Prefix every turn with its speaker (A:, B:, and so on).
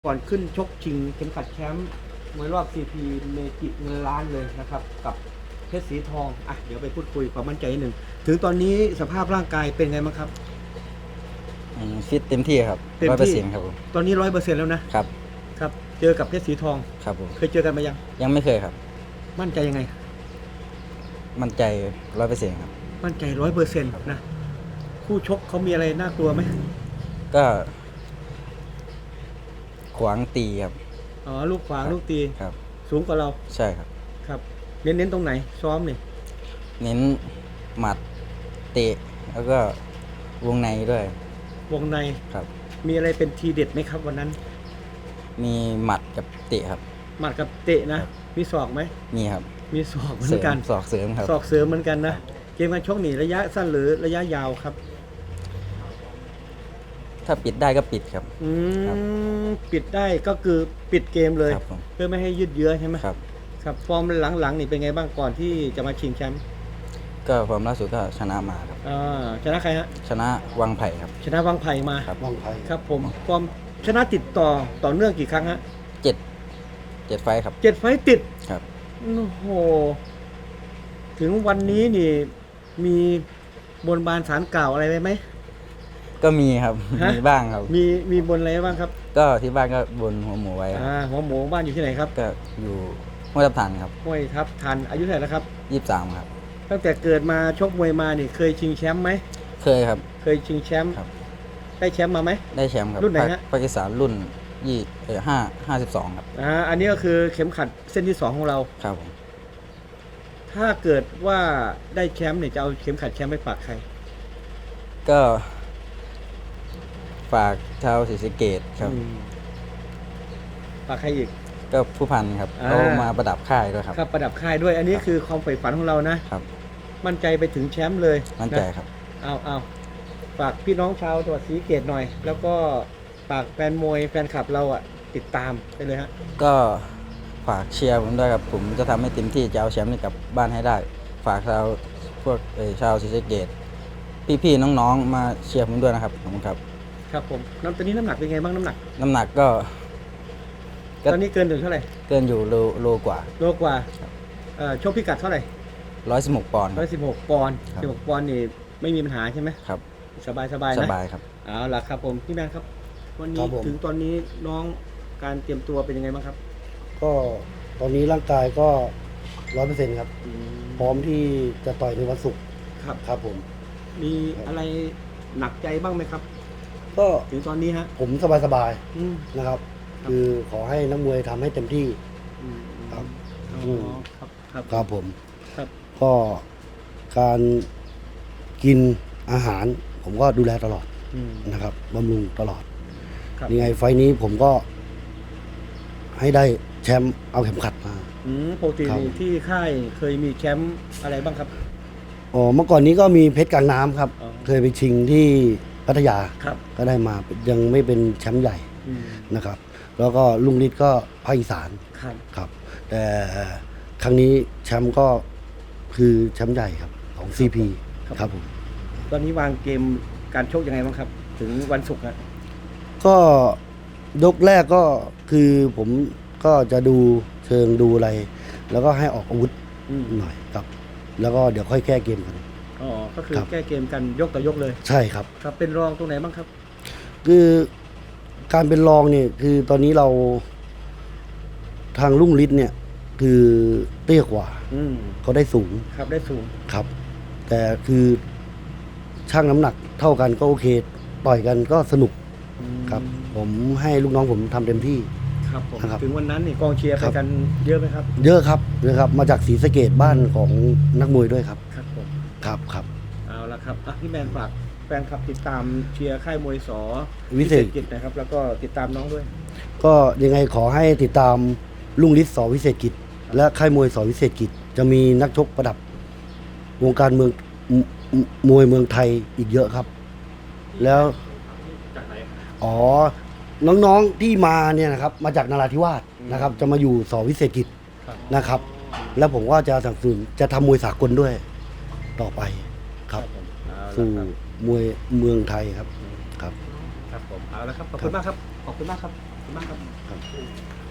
A: ก่อนขึ้นชกชิงเข็มขัดแชมป์มวยรอบ CP เมจิเงินล้านเลยนะครับกับเพชรสีทองเดี๋ยวไปพูดคุยความมั่นใจนิดหนึ่งถึงตอนนี้สภาพร่างกายเป็นไงบ้างครับ
B: ฟิตเต็มที่ครับ
A: เต็มที่
B: 100%ครับผม
A: ตอนนี้100%แล้วนะครับครับเจอกับเพชรสีทอง
B: ครับผม
A: เคยเจอกันมา
B: ยังไม่เคยครับ
A: มั่นใจยังไง
B: มั่นใจ100%ครับ
A: มั่นใจ100%นะคู่ชกเขามีอะไรน่ากลัวไหม
B: ก็ขวางตีครับ
A: ลูกขวางลูกตี
B: ครับ
A: สูงกว่าเรา
B: ใช่ครับ
A: ครับเน้นตรงไหนซ้อมนี่
B: เน้นหมัดเตะแล้วก็วงในด้วย
A: วงใน
B: ครับ
A: มีอะไรเป็นทีเด็ดไหมครับวันนั้น
B: มีหมัดกับเตะครับ
A: หมัดกับเตะนะมีศอกไหม
B: มีครับ
A: มีศอกเหมือนกัน
B: ศอกเสริมครับ
A: ศอกเสริมเหมือนกันนะเกมการชกนี่ระยะสั้นหรือระยะยาวครับ
B: ถ้าปิดได้ก็ปิดครับ
A: ปิดได้ก็คือปิดเกมเลย
B: เ
A: พื่อไม่ให้ยืดเยื้อใช่ไหม
B: ครับ
A: ครับฟอร์มหลังๆนี่เป็นไงบ้างก่อนที่จะมาชิงแชมป์
B: ก็ความล่าสุดก็ชนะมาครับ
A: ชนะใครฮะ
B: ชนะวังไผ่ครับ
A: ชนะวังไผ่มา
B: ครับวังไผ่
A: ครับผมฟอร์มชนะติดต่อเนื่องกี่ครั้งฮะ
B: 7 ไฟครับ
A: 7 ไฟติด
B: ครับ
A: โอ้โหถึงวันนี้นี่มีบนบานศาลกล่าวอะไรไหม
B: ก็มีครับมีบ้างครับ
A: มีบนอะไรบ้างครับ
B: ก็ที่บ้านก็บนหัวหมูไว้
A: หัวหมูบ้านอยู่ที่ไหนครับ
B: ก็อยู่ห้วยทับทันครับ
A: ห้วยทับทันอายุเท่าไหร่แล้วครับ
B: 23ครับ
A: ตั้งแต่เกิดมาชกมวยมานี่เคยชิงแชมป์ไหม
B: เคยครับ
A: เคยชิงแชมป์ได้แชมป์มาไหม
B: ได้แชมป์ครับ
A: รุ่นไหนฮะ
B: ปากีสถานรุ่น52ครับ
A: อันนี้ก็คือเข็มขัดเส้นที่2ของเรา
B: ครับผม
A: ถ้าเกิดว่าได้แชมป์เนี่ยจะเอาเข็มขัดแชมป์ไปฝากใคร
B: ก็ฝากชาวศรีสะเกษครับ
A: ฝากใครอีก
B: ก็ผู้พันครับเขามาประดับค่ายด้วยครับ
A: ประดับค่ายด้วยอันนี้คือความใฝ่ฝันของเรานะครับมั่นใจไปถึงแชมป์เลย
B: มั่นใจครับ
A: เอาฝากพี่น้องชาวจังหวัดศรีสะเกษหน่อยแล้วก็ฝากแฟนมวยแฟนคลับเราติดตามไปเลยฮะ
B: ก็ฝากเชียร์ผมด้วยครับผมจะทำให้เต็มที่จะเอาแชมป์นี้กลับบ้านให้ได้ฝากชาวศรีสะเกษพี่ๆน้องๆมาเชียร์ผมด้วยนะครับขอบคุณครับ
A: ครับผมตอนนี้น้ำหนักเป็นไงบ้างน้ำหนัก
B: ก็
A: ตอนนี้เกินถึงเท่าไหร่
B: เกินอยู่โลกว่า
A: ชกพิกัดเท่าไหร่
B: 116 ปอนด์
A: 116 ปอนด์16 ปอนด์นี่ไม่มีปัญหาใช่ไหม
B: ครับ
A: สบายนะ
B: สบายครับ
A: เอาล่ะครับผมพี่แมนครับวันนี้ถึงตอนนี้น้องการเตรียมตัวเป็นยังไงบ้างครับ
C: ก็ตอนนี้ร่างกายก็100%ครับพร้อมที่จะต่อยในวันศุกร์ครับผม
A: มีอะไรหนักใจบ้างไหมครับ
C: ก็
A: ถึงตอนนี้ฮะ
C: ผมสบายๆนะครับคือขอให้นักมวยทำให้เต็มที่ครับครับผมก็การกินอาหารผมก็ดูแลตลอดนะครับบำรุงตลอดยังไงไฟนี้ผมก็ให้ได้แชมป์เอาเข็มขัดมา
A: ปกติที่ค่ายเคยมีแชมป์อะไรบ้างครับ
C: เมื่อก่อนนี้ก็มีเพชรกลางน้ำครับเคยไปชิงที่พัทยาก็ได้มายังไม่เป็นแชมป์ใหญ่นะครับแล้วก็ลุงฤทธิ์ก็ภาคอีสานครับแต่ครั้งนี้แชมป์ก็คือแชมป์ใหญ่ครับของ CP ครับผม
A: ตอนนี้วางเกมการชกยังไงบ้างครับถึงวันศุกร์
C: ก็ยกแรกก็คือผมก็จะดูเชิงดูอะไรแล้วก็ให้ออกอาวุธหน่อยครับแล้วก็เดี๋ยวค่อยแก้เกมกัน
A: ก็คือแก้เกมกันยกต่อยกเลย
C: ใช่ครับ
A: ครับเป็นรองตรงไหนบ้างครับ
C: คือการเป็นรองเนี่ยคือตอนนี้เราทางลุงฤทธิ์เนี่ยคือเตี้ยกว่าเขาได้สูง
A: ครับได้สูง
C: ครับแต่คือช่างน้ำหนักเท่ากันก็โอเคต่อยกันก็สนุกครับผมให้ลูกน้องผมทำเต็มที่
A: ครับผมถึงวันนั้นนี่กองเชียร์ไปกันเยอะไหมครับ
C: เยอะครับมาจากศรีสะเกษบ้านของนักมวยด้วยครับ
A: ครับผม
C: ครับ
A: เอาละครับพี่แมนฝากแฟนคลับติดตามเชียร์ค่ายมวยส
C: วิเศษ
A: กิจนะครับแล้วก็ติดตามน้องด้วย
C: ก็ยังไงขอให้ติดตามลุงฤทธิ์ส.วิเศษกิจและค่ายมวยส.วิเศษกิจจะมีนักชกประดับวงการมวยเมืองไทยอีกเยอะครับแล้วน้องๆที่มาเนี่ยนะครับมาจากนราธิวาสนะครับจะมาอยู่ส.วิเศษกิจนะครับแล้วผมก็จะสนับสนุนจะทำมวยสากลด้วยต่อไปครับสู่มวยเมืองไทยครับ
A: ครับผมเอาละครับขอบคุณมากครับขอบคุณมากครับคุณมากครับ
C: ครับ